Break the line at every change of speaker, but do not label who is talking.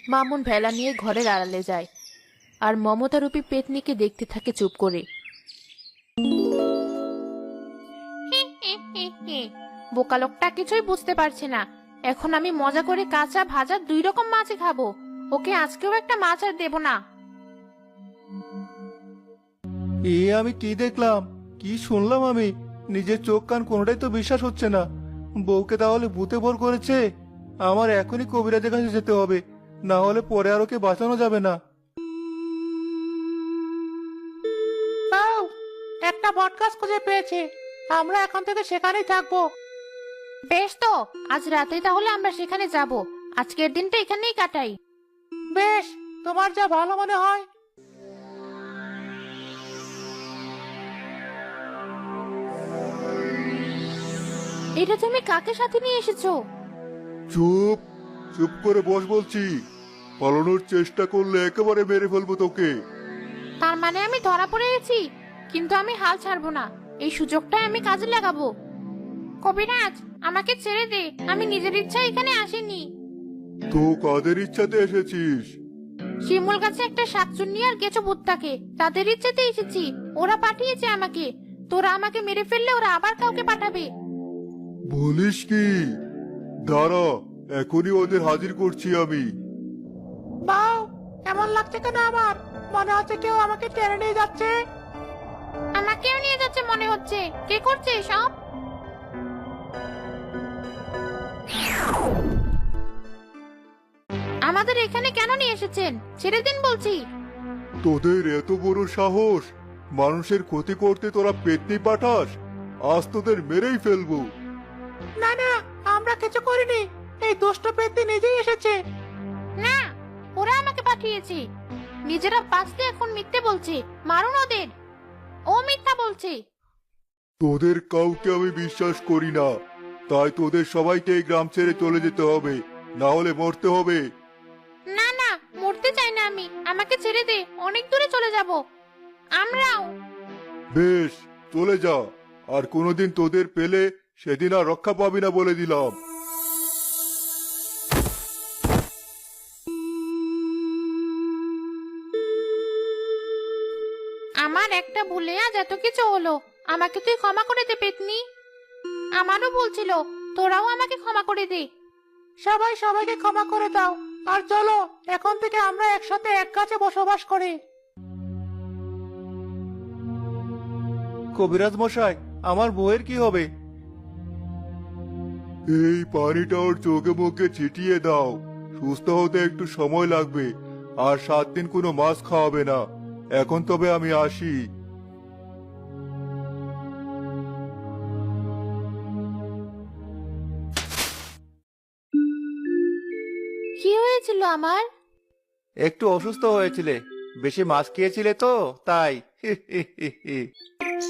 মামুন ভেলা নিয়ে ঘরের আড়ালে যায় আর মমতারূপী পেতনিকে দেখতে থাকে চুপ করে। বোকা লোকটা কিছুই বুঝতে পারছে না। এখন আমি মজা করে কাঁচা ভাজা দুই রকম মাছই খাবো। ওকে আজকেও একটা মাছ আর দেবো না।
আমি কি দেখলাম, কি শুনলাম? আমি নিজের চোখ কান কোনোটাই তো বিশ্বাস হচ্ছে না। বউকে তাহলে ভূতে ভর করেছে। আমার এখনই কবিরাজের কাছে যেতে হবে, না হলে পরে আর ওকে বাঁচানো যাবে না।
পাও, একটা বটগাছ খুঁজে পেয়েছি। আমরা এখন থেকে সেখানেই থাকবো।
বেশ, তো আজ রাতেই তাহলে আমরা সেখানে যাব। আজকের দিনটা এখানেই কাটাই।
বেশ, তোমার যা ভালো মনে হয়।
এটা তুমি কাকে সাথে নিয়ে এসেছো?
চুপ, চুপ করে বস বলছি। পালানোর চেষ্টা করলে একেবারে মেরে ফেলবো তোকে।
তার মানে আমি ধরা পড়ে গেছি? কিন্তু আমি হাল ছাড়বো না। এই সুযোগটাই আমি কাজে লাগাবো। কবিরাজ, আমাকে ছেড়ে দে। আমি নিজের ইচ্ছায় এখানে আসিনি।
তো কাদের ইচ্ছাতে এসেছিস?
শিমুল গাছে একটা শাকচুন্নি আর কেঁচো ভূত থাকে, তাদের ইচ্ছেতে এসেছি। ওরা পাঠিয়েছে আমাকে। তোরা আমাকে মেরে ফেললে ওরা আবার কাউকে পাঠাবে।
বলিস কি? দাঁড়া, এখনই ওদের হাজির করছি আমি।
বাও, এমন লাগছে কেন আমার? মনে হচ্ছে কেউ আমাকে টেনে নিয়ে যাচ্ছে।
আমাকেও নিয়ে যাচ্ছে মনে হচ্ছে। কে করছে এসব? আমাদের এখানে কেন নিয়ে এসেছেন? ছেড়ে দিন বলছি।
তোদের এত বড় সাহস! মানুষের ক্ষতি করতে তোরা পেতনি পাঠাস? আজ তোদের মেরেই ফেলবো।
না না, আমরা কিছু করিনি। এই দুষ্ট পেত্নী নিজেই এসেছে।
না, ওরা আমাকে পাঠিয়েছে। নিজেরা বাঁচতে এখন মিথ্যে বলছে। মারুন ওদের। ও মিথ্যা বলছে।
তোদের কাউকে আমি বিশ্বাস করি না, তাই তোদের সবাইকে এই গ্রাম ছেড়ে চলে যেতে হবে, না হলে মরতে হবে।
না না, মরতে চাই না আমি। আমাকে ছেড়ে দে, অনেক দূরে চলে যাব। আমরাও।
বেশ, চলে যা। আর কোনোদিন তোদের পেলে সেদিন আর রক্ষা পাবি না বলে দিলাম।
আমার একটা ভুলে আজ এত কিছু হলো। আমাকে তুই ক্ষমা করে দে পেতনি। আমারও বলছিল, তোরাও আমাকে ক্ষমা করে দে।
সবাই সবাইকে ক্ষমা করে দাও। আর চলো, এখন থেকে আমরা একসাথে এক গাছে বসবাস করি।
কবিরাজ মশাই, আমার বউয়ের কি হবে? এই পানিটা ওর চোখে মুখে ছিটিয়ে দাও। সুস্থ হতে একটু সময় লাগবে। আর 7 দিন কোনো মাছ খাওয়াবে না। এখন তবে আমি আসি।
কি হয়েছিল আমার?
একটু অসুস্থ হয়েছিলে, বেশি মাছ খেয়েছিলে তো তাই।